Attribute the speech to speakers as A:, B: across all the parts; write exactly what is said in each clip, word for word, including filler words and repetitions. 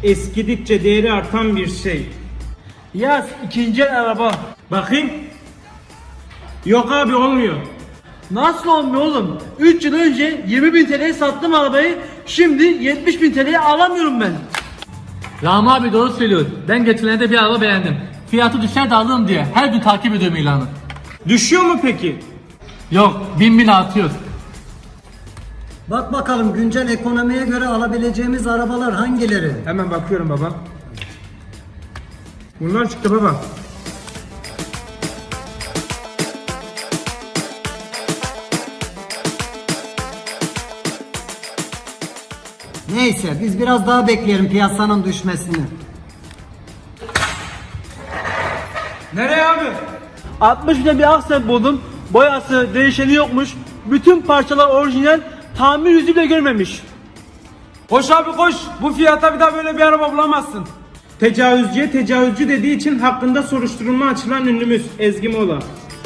A: eskidikçe değeri artan bir şey.
B: Yaz ikinci el araba.
A: Bakayım. Yok abi, olmuyor.
B: Nasıl olmuyor oğlum? üç yıl önce yirmi bin T L'ye sattım arabayı. Şimdi yetmiş bin T L'ye alamıyorum ben.
C: Rami abi doğru söylüyor. Ben geçenlerde bir araba beğendim. Fiyatı düşer de alırım diye her gün takip ediyorum ilanı.
A: Düşüyor mu peki?
C: Yok, bin bin artıyor.
D: Bak bakalım güncel ekonomiye göre alabileceğimiz arabalar hangileri?
A: Hemen bakıyorum baba. Bunlar çıktı baba.
D: Neyse biz biraz daha bekleyelim piyasanın düşmesini.
A: Nereye abi?
B: altmış bine bir aksen buldum. Boyası, değişeni yokmuş. Bütün parçalar orijinal. Tamir yüzü bile görmemiş.
A: Koş abi koş. Bu fiyata bir daha böyle bir araba bulamazsın. Tecavüzcüye tecavüzcü dediği için hakkında soruşturma açılan ünlümüz Ezgi Mola.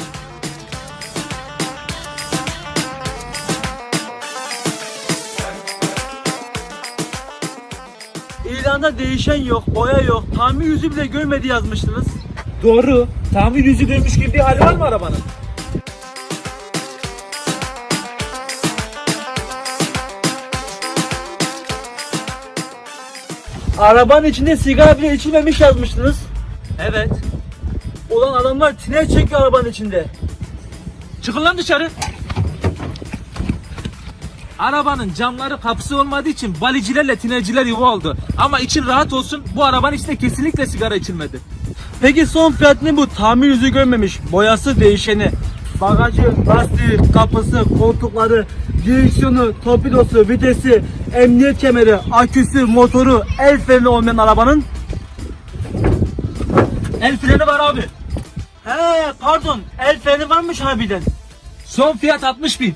B: İlanda değişen yok, boya yok, tamir yüzü bile görmedi yazmıştınız.
A: Doğru. Tamir yüzü görmüş gibi bir hali var mı arabanın?
B: Arabanın içinde sigara bile içilmemiş yazmıştınız. Evet. Ulan adamlar tiner çekiyor arabanın içinde.
C: Çıkın lan dışarı. Arabanın camları kapısı olmadığı için balicilerle tinerciler yuva oldu. Ama için rahat olsun, bu arabanın içinde kesinlikle sigara içilmedi.
B: Peki son fiyat ne bu? Tamir yüzü görmemiş, boyası değişeni. Bagajı, lastiği, kapısı, koltukları, direksiyonu, torpidosu, vitesi, emniyet kemeri, aküsü, motoru, el freni olmayan arabanın.
C: El freni var abi.
B: He pardon, el freni varmış harbiden.
C: Son fiyat altmış bin.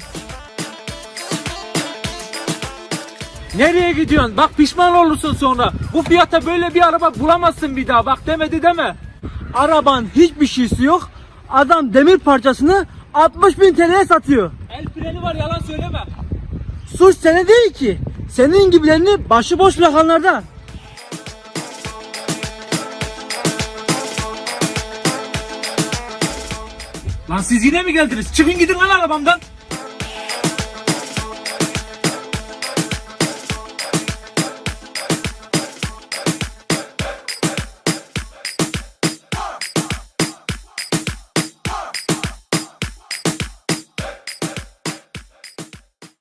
B: Nereye gidiyorsun? Bak pişman olursun sonra. Bu fiyata böyle bir araba bulamazsın bir daha. Bak demedi deme. Arabanın hiçbir şeysi yok. Adam demir parçasını altmış bin T L'ye satıyor.
C: El freni var, yalan söyleme.
B: Suç seni değil ki. Senin gibilerini başıboş bırakanlarda.
C: Lan siz yine mi geldiniz? Çıkın gidin lan arabamdan.